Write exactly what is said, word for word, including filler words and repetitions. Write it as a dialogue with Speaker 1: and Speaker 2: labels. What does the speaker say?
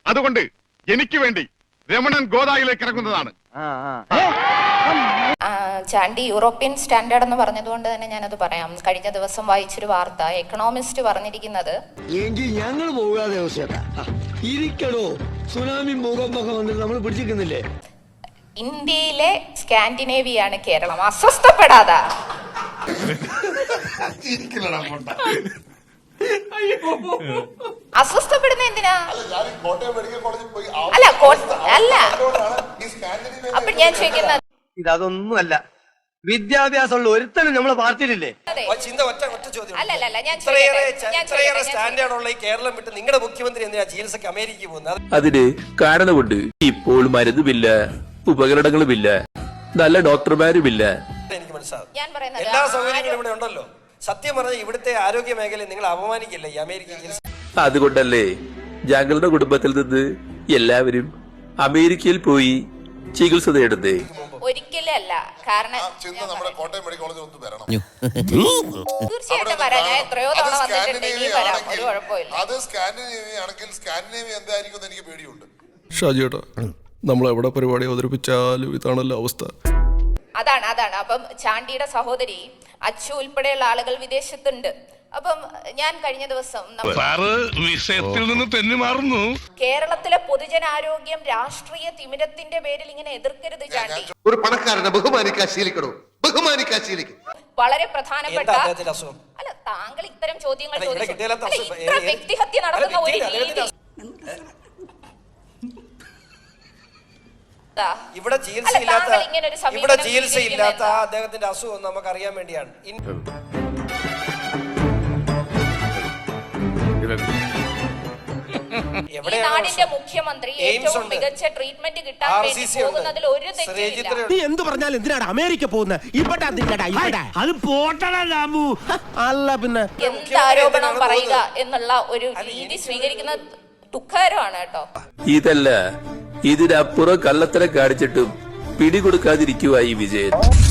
Speaker 1: അതുകൊണ്ട് എനിക്ക് വേണ്ടി രമണൻ ഗോദായിലേക്ക് ഇറങ്ങുന്നതാണ്.
Speaker 2: ചാണ്ടി യൂറോപ്യൻ സ്റ്റാൻഡേർഡ് എന്ന് പറഞ്ഞതുകൊണ്ട് തന്നെ ഞാനത് പറയാം. കഴിഞ്ഞ ദിവസം വായിച്ചൊരു വാർത്ത, എക്കണോമിസ്റ്റ് പറഞ്ഞിരിക്കുന്നത്
Speaker 3: ഞങ്ങൾ പോകാതെ ഇരിക്കണോ സുനാമി ഭൂകമ്പൊക്കെ വന്നിട്ട് നമ്മൾ പിടിച്ചിരിക്കുന്നില്ലേ.
Speaker 2: ഇന്ത്യയിലെ സ്കാൻഡിനേവിയാണ് കേരളം. അസ്വസ്ഥപ്പെടാതാ അസ്വസ്ഥപ്പെടുന്ന എന്തിനാ? അല്ല അല്ല അപ്പൊ ഞാൻ ചോദിക്കുന്നത്
Speaker 3: ഇതൊന്നുമല്ല, വിദ്യാഭ്യാസമുള്ള ഒരുത്തനും നമ്മളെ പാർട്ടിയിലില്ലേ?
Speaker 2: അല്ലല്ല ഞാൻ
Speaker 4: സ്റ്റാൻഡേർഡുള്ള ഈ കേരളം വിട്ട് നിങ്ങളുടെ മുഖ്യമന്ത്രി എന്തിനാ ചികിത്സക്ക് അമേരിക്കയിൽ പോകുന്നത്?
Speaker 5: അതിന് കാരണമുണ്ട്. ഇപ്പോൾ മരുന്നുമില്ല, ഉപകരണങ്ങളുമില്ല, നല്ല ഡോക്ടർമാരുമില്ല.
Speaker 4: എനിക്ക് മനസ്സിലാവും. എല്ലാ സൗകര്യങ്ങളും ഇവിടെ ഉണ്ടല്ലോ. സത്യം പറഞ്ഞ ഇവിടുത്തെ ആരോഗ്യ മേഖലയെ നിങ്ങൾ അപമാനിക്കില്ല ഈ അമേരിക്കയിൽ.
Speaker 5: അതുകൊണ്ടല്ലേ ഞങ്ങളുടെ കുടുംബത്തിൽ നിന്ന് എല്ലാവരും അമേരിക്കയിൽ പോയി ചികിത്സ തേടുന്നേ.
Speaker 2: ഒരിക്കലും അല്ല. കാരണം തീർച്ചയായിട്ടും വരാം. ഞാൻ എത്രയോ തവണ വന്നിട്ടുണ്ട്. ഇനിയും വരാം, ഒരു കുഴപ്പമില്ല.
Speaker 6: അത് സ്കാൻഡിനേവിയ ആണെങ്കിൽ സ്കാൻഡിനേവിയ എന്തായിരിക്കും എനിക്ക് പേടിയുണ്ട്.
Speaker 7: ഷാജിയേട്ടാ, നമ്മൾ എവിടെ പരിപാടി അവതരിപ്പിച്ചാലും ഇതാണല്ലോ അവസ്ഥ.
Speaker 2: അതാണ് അതാണ് അപ്പം ചാണ്ടിയുടെ സഹോദരി അച്ചു ഉൾപ്പെടെയുള്ള ആളുകൾ വിദേശത്തുണ്ട്. അപ്പം ഞാൻ കഴിഞ്ഞ ദിവസം
Speaker 1: വിഷയത്തിൽ നിന്ന് തെന്നി മാറുന്നു.
Speaker 2: കേരളത്തിലെ പൊതുജനാരോഗ്യം രാഷ്ട്രീയ തിമിരത്തിന്റെ പേരിൽ ഇങ്ങനെ എതിർക്കരുത് ചാണ്ടി.
Speaker 6: ഒരു പണക്കാരനെ ബഹുമാനിക്കാൻ ശീലിക്കണോ? ബഹുമാനിക്കാൻ ശീലിക്കും.
Speaker 2: വളരെ പ്രധാനപ്പെട്ട അല്ല, താങ്കൾ ഇത്തരം ചോദ്യങ്ങൾ ചോദിച്ചു. വ്യക്തിഹത്യ നടത്തുന്ന ഒരു രീതി
Speaker 4: ഇവിടെ ചികിത്സയില്ലാത്ത ഇവിടെ ചികിത്സയില്ലാത്ത അദ്ദേഹത്തിന്റെ അസുഖം നമുക്ക് അറിയാൻ വേണ്ടിയാണ്.
Speaker 2: നാടിന്റെ മുഖ്യമന്ത്രി ഏറ്റവും മികച്ച ട്രീറ്റ്മെന്റ് കിട്ടാൻ വേണ്ടി പോകുന്നതിൽ ഒരു തെറ്റില്ല.
Speaker 3: നീ എന്ത് പറഞ്ഞാലും എന്തിനാണ് അമേരിക്ക പോകുന്നത്? ഇവിടെ അത് പോട്ടണു അല്ല, പിന്നെ
Speaker 2: എന്ത് ആരോപണം പറയുക എന്നുള്ള ഒരു രീതി സ്വീകരിക്കുന്ന ദുഃഖകരമാണ് കേട്ടോ.
Speaker 5: ഇതല്ല, ഇതിനപ്പുറം കള്ളത്തരം കാണിച്ചിട്ടും പിടികൊടുക്കാതിരിക്കുവായി വിജയൻ.